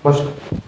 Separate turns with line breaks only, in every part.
বসো।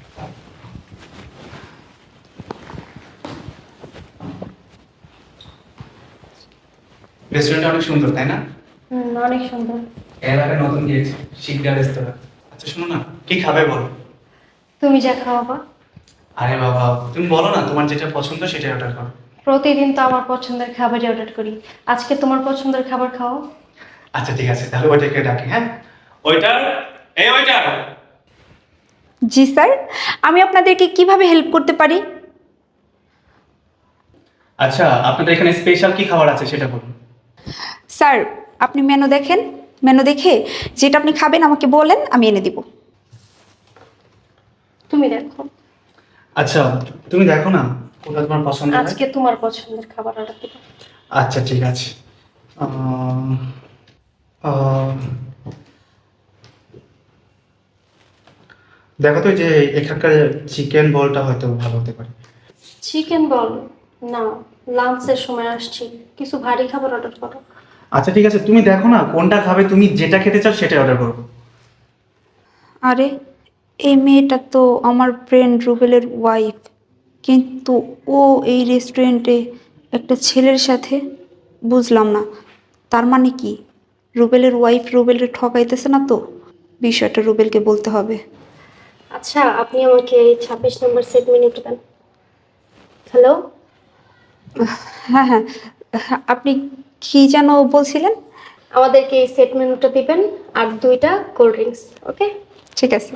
রেস্টুরেন্টটা অনেক সুন্দর, তাই না?
অনেক সুন্দর।
এর আগে নতুন গিয়েছি, শিকদার রেস্তোরাঁ। আচ্ছা শোনো না, কি খাবে বলো?
তুমি যা খাওয়াবা।
আরে বাবা, তুমি বলো না তোমার যেটা পছন্দ সেটাই অর্ডার করো।
প্রতিদিন তো আমার পছন্দের খাবারই অর্ডার করি। আজকে তোমার পছন্দের খাবার খাও।
আচ্ছা ঠিক আছে, তাহলে ওইটাকে ডাকি। হ্যাঁ, ওইটার, এই ওইটার।
জি স্যার, আমি আপনাদেরকে কিভাবে হেল্প করতে পারি?
আচ্ছা, আপনাদের এখানে স্পেশাল কি খাবার আছে সেটা বলুন।
স্যার, আপনি মেনু দেখেন, মেনু দেখে যেটা আপনি খাবেন আমাকে বলেন, আমি এনে দিব।
তুমি দেখো।
আচ্ছা, তুমি দেখো না কোনটা তোমার পছন্দ হয়।
আজকে তোমার পছন্দের খাবার অর্ডার দেবো।
আচ্ছা ঠিক আছে। আহ, দেখো তো, এই যে এখানকার চিকেন বলটা হয়তো ভালো হতে পারে।
Chicken ball? না, লাঞ্চের সময় আসছি, কিছু ভারী খাবার অর্ডার করো।
আচ্ছা ঠিক আছে, তুমি দেখো না কোনটা খাবে, তুমি যেটা খেতে চাও সেটাই অর্ডার করো।
আরে, এই মেয়েটা তো আমার ফ্রেন্ড রুবেলের ওয়াইফ, কিন্তু ও এই রেস্টুরেন্টে একটা ছেলের সাথে, বুঝলাম না। তার মানে কি রুবেলের ওয়াইফ রুবেলের ঠকাইতেছে না তো? বিষয়টা রুবেলকে বলতে হবে।
আচ্ছা, আপনি আমাকে এই 26 নম্বর সেট মেনুটা দেন। হ্যালো।
হ্যাঁ হ্যাঁ, আপনি কি যেন বলছিলেন?
আমাদেরকে এই সেট মেনুটা দিবেন, আর 2টা কোল্ড ড্রিঙ্কস। ওকে।
ঠিক আছে।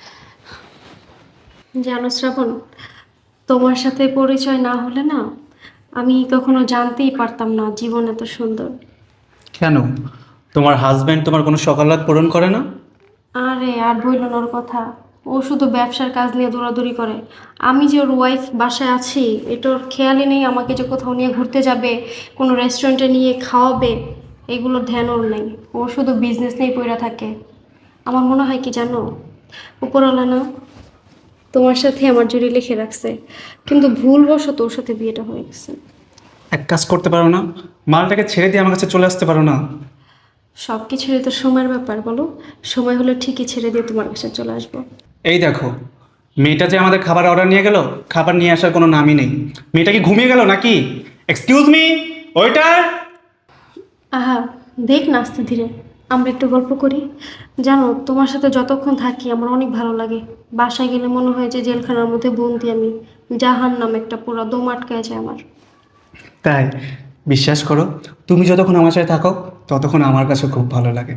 জানো শ্রাবণ, তোমার সাথে পরিচয় না হলে না, আমি কখনো জানতেই পারতাম না জীবন এত সুন্দর।
কেন, তোমার হাজবেন্ড তোমার কোনো সকালাত পূরণ করে না?
আরে আর বইল না ওর কথা। ও শুধু ব্যবসার কাজ নিয়ে দৌড়াদৌড়ি করে। আমি যে ওর ওয়াইফ বাসায় আছি, এটার খেয়ালই নেই আমাকে যে কোথাও নিয়ে ঘুরতে যাবে, কোনো রেস্টুরেন্টে নিয়ে খাওয়াবে, এগুলোর ধ্যান ওর নেই। ও শুধু বিজনেস নিয়েই পড়ে থাকে। আমার মনে হয় কি জানো, উপরওয়ালা না তোমার সাথে আমার জুড়ি লিখে রাখছে, কিন্তু ভুলবশত ওর সাথে বিয়েটা হয়ে গেছে।
এক কাজ করতে পারো না, মালটাকে ছেড়ে দিয়ে আমার কাছে চলে আসতে পারো না?
সব কিছুরই তো সময়ের ব্যাপার, বলো। সময় হলে ঠিকই ছেড়ে দিয়ে তোমার কাছে চলে আসবো।
এই দেখো, মেয়েটা যে আমাদের খাবার অর্ডার নিয়ে গেল, খাবার নিয়ে আসার কোনো নামই নেই। মেয়েটা কি ঘুমিয়ে গেল নাকি? এক্সকিউজ মি, ওইটার।
আহা, দেখ না আস্তে ধীরে, আমরা একটু গল্প করি। জানো, তোমার সাথে যতক্ষণ থাকি আমার অনেক ভালো লাগে। বাসায় গেলে মনে হয় যে জেলখানার মধ্যে বন্দি আমি। জাহান্নাম একটা, পুরো দম আটকায় যায় আমার।
তাই? বিশ্বাস করো, তুমি যতক্ষণ আমার সাথে থাকো ততক্ষণ আমার কাছে খুব ভালো লাগে।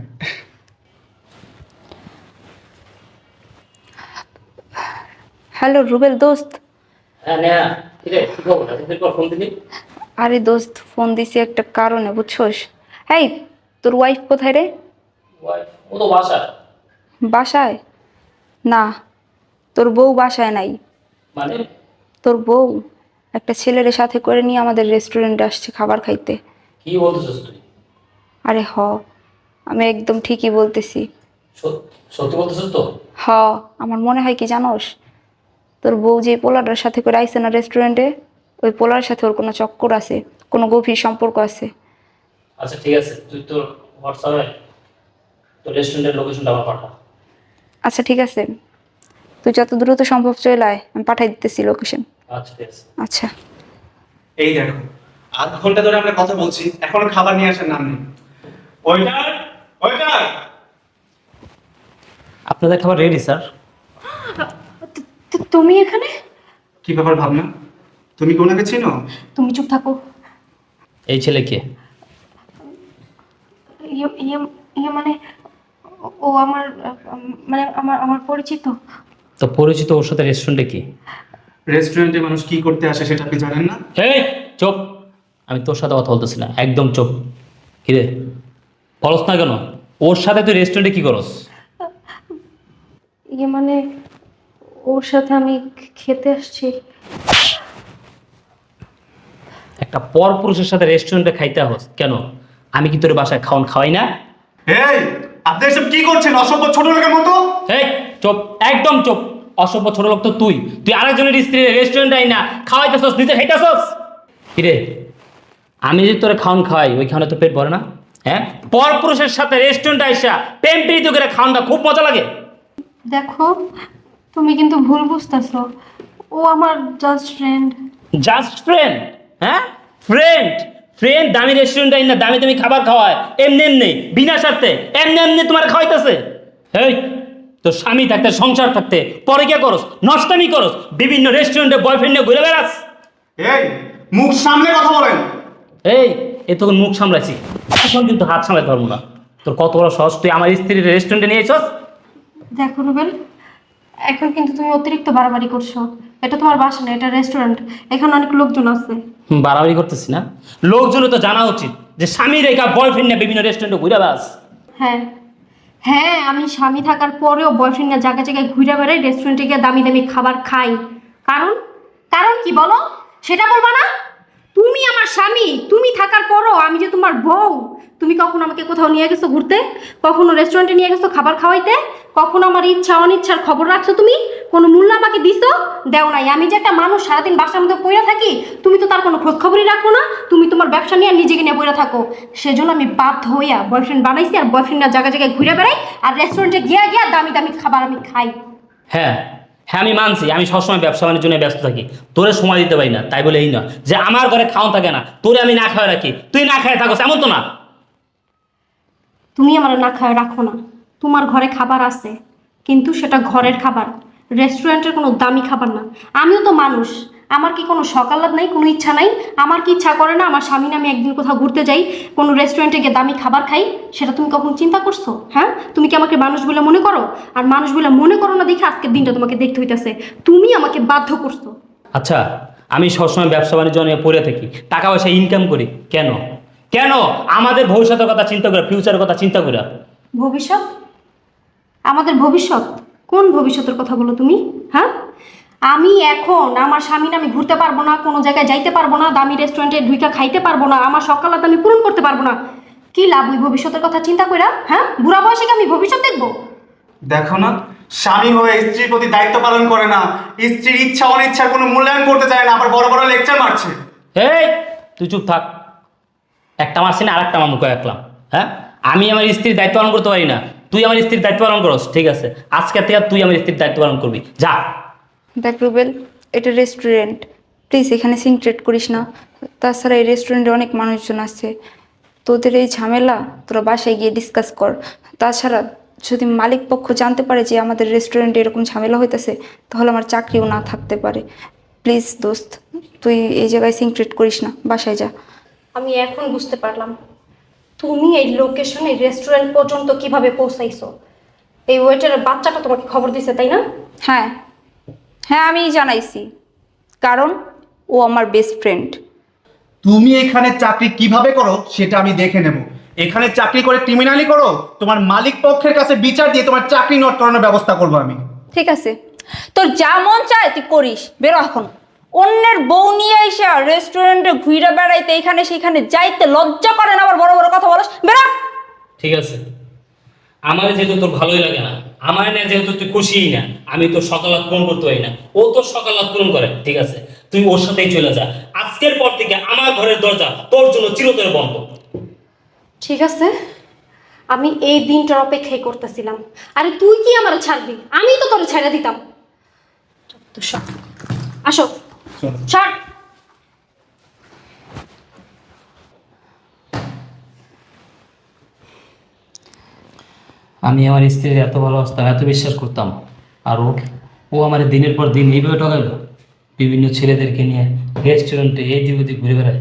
হ্যালো রুবেল দোস্ত।
হ্যাঁ নেহা, ঠিক আছে, কি খবর? এতদিন পর ফোন দিলি।
আরে দোস্ত, ফোন দিছি একটা কারণে, বুঝছোস? হেই, তোর ওয়াইফ কোথায় রে?
ও তো বাসা।
বাসায়? না, তোর বউ বাসায় নাই।
মানে?
তোর বউ একটা ছেলের সাথে করে নিয়ে আমাদের রেস্টুরেন্টে আসছে খাবার খাইতে।
কি বলতেছিস তুই?
আরে হ, আমি একদম ঠিকই বলতেছি।
সত্যি বলতেছিস তো?
হ, আমার মনে হয় কি জানোস, তোর বউ যে পোলাটার সাথে করে আইছে না রেস্টুরেন্টে, ওই পোলার সাথে ওর কোনো চক্কর আছে, কোনো গভীর সম্পর্ক আছে।
আচ্ছা ঠিক আছে, তুই তোর হোয়াটসঅ্যাপে তোর রেস্টুরেন্টের লোকেশনটা আমার পাঠা।
আচ্ছা ঠিক আছে, তুই যত দ্রুত সম্ভব চলে আয়, আমি পাঠাই দিতেছি লোকেশন।
আচ্ছা ঠিক আছে।
আচ্ছা।
এই দেখো, আধ ঘন্টা ধরে আমরা কথা বলছি, এখনো খাবার নিয়ে আসার নাম নেই। ওইটার, ওইটার।
আপনাদের খাবার রেডি স্যার।
তুমি এখানে?
কি ব্যাপার ভাবনা, তুমি কি ওনাকে চিনো?
তুমি চুপ থাকো।
এই ছেলে কে?
ইয়ে ইয়ে ইয়ে মানে, ও আমার, মানে আমার আমার পরিচিত।
তো পরিচিত ওর সাথে রেস্টুরেন্টে কি?
রেস্টুরেন্টে মানুষ কি করতে আসে সেটা আপনি জানেন না?
এই চুপ, আমি তোর সাথে কথা বলতেছি না, একদম চুপ। কিরে, বলস না কেন? ওর সাথে তুই রেস্টুরেন্টে কি করস?
ইয়ে মানে, ওর সাথে আমি খেতে আসছি।
একটা পর পুরুষের সাথে রেস্টুরেন্টে খাইতে হস কেন? আমি কি তোর বাসায় খাওন খাওয়াই না?
এই, আপনি এসব কি করছেন অসভ্য ছোট লোকের মতো?
এই চুপ, একদম চুপ। অসভ্য ছোট লোক তো তুই। তুই আরেকজনের স্ত্রী রেস্টুরেন্টে আই না খাওয়াইতেছস, নিজে খাইতেছস। কিরে, আমি যদি তোরে খাওন খাওয়াই, ওই খাওয়ানো তো পেট ভরে না? হ্যাঁ, পর পুরুষের সাথে রেস্টুরেন্টে আইসা প্রেম প্রীতি করে খাওয়ানটা খুব মজা লাগে।
দেখো, তুমি কিন্তু ভুল বুঝতেছো, ও আমার জাস্ট ফ্রেন্ড।
Just friend? হ্যাঁ, ফ্রেন্ড? ফ্রেন্ড দামি রেস্টুরেন্টে না দামি দামি খাবার খাওয়ায় এমনি এমনি বিনা স্বার্থে এমনি এমনি তোমার খাওয়াইতেছে? এই তোর স্বামী থাকতে সংসার থাকতে পরে কে করস, নষ্টামি করস, বিভিন্ন রেস্টুরেন্টে বয়ফ্রেন্ড নিয়ে ঘুরে বেড়াস।
এই মুখ সামনে কথা বলেন।
এই এ তোকে মুখ সামলাইছি, এখন কিন্তু হাত সামলাতে পারবো না। তোর কত বড় সাহস, তুই আমার স্ত্রীর রেস্টুরেন্টে নিয়ে এসছ?
দেখো রুবেল, এখন কিন্তু তুমি অতিরিক্ত বাড়াবাড়ি করছো। এটা তোমার বাসা না, এটা রেস্টুরেন্ট। এখানে অনেক লোকজন আছে।
বাড়াবাড়ি করতেছি না? লোকজনের তো জানা উচিত যে স্বামী রেখা বয়ফ্রেন্ড নিয়ে বিভিন্ন রেস্টুরেন্টে ঘুরে বেড়াস।
হ্যাঁ হ্যাঁ, আমি স্বামী থাকার পরেও বয়ফ্রেন্ড না জায়গায় জায়গায় ঘুরে বেড়াই, রেস্টুরেন্টে গিয়ে দামি দামি খাবার খাই। কারণ কারণ কি বলো, সেটা বলবা না? তুমি আমার স্বামী, তুমি থাকার পরও আমি যে তোমার বউ, তুমি কখনো আমাকে কোথাও নিয়ে গেছো ঘুরতে? কখনো রেস্টুরেন্টে নিয়ে গেছো খাবার খাওয়াইতে? কখনো আমার ইচ্ছা অনিচ্ছার খবর রাখছো তুমি? কোনো মূল্য আমাকে দিছো? দেও নাই। আমি যে একটা মানুষ সারাদিন বাসার মধ্যে পইরা থাকি, তুমি তো তার কোনো খোঁজ খবরই রাখো না। তুমি তোমার ব্যবসা নিয়ে আর নিজেকে নিয়ে পইরা থাকো। সেজন্য আমি বাধ্য হইয়া বয়ফ্রেন্ড বানাইছি, আর বয়ফ্রেন্ডের জায়গায় জায়গায় ঘুরে বেড়াই, আর রেস্টুরেন্টে গিয়া গিয়া দামি দামি খাবার আমি খাই।
হ্যাঁ হ্যাঁ, আমি মানছি আমি সবসময় ব্যবসা বাণিজ্য নিয়ে ব্যস্ত থাকি, তোরে সময় দিতে পারি না। তাই বলে এই না যে আমার ঘরে খাওয়া থাকে না, তোরে আমি না খাওয়া রাখি, তুই না খায় থাকো, এমন তো না।
তুমি আমার না খায় রাখো না, তোমার ঘরে খাবার আছে, কিন্তু সেটা ঘরের খাবার, রেস্টুরেন্টের কোনো দামি খাবার না। আমিও তো মানুষ, আমার কি কোনো সকালাত নাই, কোনো ইচ্ছা নাই? আমার কি ইচ্ছা করে না আমার স্বামী না আমি একদিন কোথাও ঘুরতে যাই, কোনো রেস্টুরেন্টে গিয়ে দামি খাবার খাই? সেটা তুমি কখন চিন্তা করছো? হ্যাঁ, তুমি কি আমাকে মানুষ বলে মনে করো? আর মানুষ বলে মনে করো না দেখে আজকের দিনটা তোমাকে দেখতে হইতেছে। তুমি আমাকে বাধ্য করছো।
আচ্ছা, আমি সবসময় ব্যবসা বাণিজ্য নিয়ে পড়ে থাকি, টাকা পয়সা ইনকাম করি, কেন? কেন আমাদের ভবিষ্যতের কথা চিন্তা করে, ফিউচারের কথা চিন্তা করে?
ভবিষ্যৎ? আমাদের ভবিষ্যৎ? কোন ভবিষ্যতের কথা বলো তুমি? হ্যাঁ, আমি এখন আমার স্বামী না আমি ঘুরতে পারবো না, কোনো জায়গায় যাইতে পারবো না, দামি রেস্টুরেন্টে ঢুইকা খাইতে পারবো না, আমার সকালাত আমি পূরণ করতে পারবো না। কি লাভ ওই ভবিষ্যতের কথা চিন্তা কইরা? হ্যাঁ, বুড়া বয়সে কি আমি ভবিষ্যৎ দেখবো?
দেখো না, স্বামী হয়ে স্ত্রীর প্রতি দায়িত্ব পালন করে না, স্ত্রীর ইচ্ছা অনিচ্ছার কোনো মূল্যায়ন করতে চায় না, আবার বড় বড় লেকচার মারছে।
এই তুই চুপ থাক, একটা মারছি না আর একটা মামুকে রাখলাম। হ্যাঁ, আমি আমার স্ত্রীর দায়িত্ব পালন করতে পারি না, তুই আমার স্ত্রীর দায়িত্ব পালন করস, ঠিক আছে? আজকে থেকে তুই আমার স্ত্রীর দায়িত্ব পালন করবি, যা।
দেখ রুবেল, এটা রেস্টুরেন্ট, প্লিজ এখানে সিনক্রেট করিস না। তাছাড়া এই রেস্টুরেন্টে অনেক মানুষজন আছে, তোদের এই ঝামেলা তোরা বাসায় গিয়ে ডিসকাস কর। তাছাড়া যদি মালিক পক্ষ জানতে পারে যে আমাদের রেস্টুরেন্টে এরকম ঝামেলা হইতেছে, তাহলে আমার চাকরিও না থাকতে পারে। প্লিজ দোস্ত, তুই এই জায়গায় সিনক্রেট করিস না, বাসায় যা।
আমি এখন বুঝতে পারলাম তুমি এই লোকেশনে রেস্টুরেন্ট পর্যন্ত কিভাবে পৌঁছাইছো। এই ওয়েটারের বাচ্চাটা তোমাকে খবর দিছে, তাই না?
হ্যাঁ হ্যাঁ, আমি জানাইছি, কারণ ও আমার বেস্ট ফ্রেন্ড।
তুমি এখানে চাকরি কিভাবে করো সেটা আমি দেখে নেব। এখানে চাকরি করে ক্রিমিনালি করো, তোমার মালিক পক্ষের কাছে বিচার দিয়ে তোমার চাকরি নোট করানোর ব্যবস্থা করবো আমি।
ঠিক আছে, তোর যা মন চায় তুই করিস, বেরো এখন। অন্যের বউ নিয়ে এসে রেস্টুরেন্টে ঘুরে বেড়াইতে এখানে সেখানে যাইতে লজ্জা করে না, আবার বড় বড় কথা বলস, বেরো।
ঠিক আছে, আমার যেহেতু তোর ভালোই লাগে না, আমার না যেহেতু তুই খুশিই না, আমি তোর সকালাত পূরণ করতে পারি না, ও তোর সকালাত পূরণ করে, ঠিক আছে? তুই ওর সাথেই চলে যা। আজকের পর থেকে আমার ঘরের দরজা তোর জন্য চিরতরে বন্ধ।
ঠিক আছে, আমি এই দিনটার অপেক্ষাই করতেছিলাম। আরে তুই কি আমার ছাড়বি? আমি তো তোর ছেড়ে দিতাম। তো সর, আসো, সর।
আমি আমার স্ত্রীর এত ভালোবাসতাম, এত বিশ্বাস করতাম, আর ও আমার দিনের পর দিন এইভাবে ঠকাইল, বিভিন্ন ছেলেদেরকে নিয়ে রেস্টুরেন্টে এই দিক ওদিক ঘুরে বেড়ায়।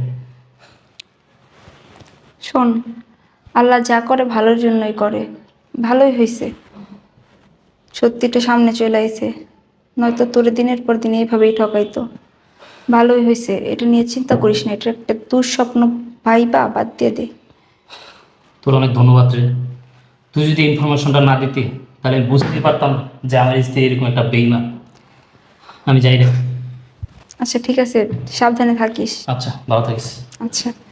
শোন, আল্লাহ যা করে ভালোর জন্যই করে, ভালোই হয়েছে সত্যিটা সামনে চলে আইছে, নয়তো তোর দিনের পর দিন এইভাবেই ঠকাইতো। ভালোই হয়েছে, এটা নিয়ে চিন্তা করিস না, এটা একটা দুঃস্বপ্ন, ভাইবা বাদ দিয়ে দে।
তোর অনেক ধন্যবাদ রে, তুই যদি ইনফরমেশনটা না দিতি তাহলে আমি বুঝতেই পারতাম না যে আমার স্ত্রী এরকম একটা বেইমান। আমি যাই রে।
আচ্ছা ঠিক আছে, সাবধানে থাকিস।
আচ্ছা, ভালো থাকিস।
আচ্ছা।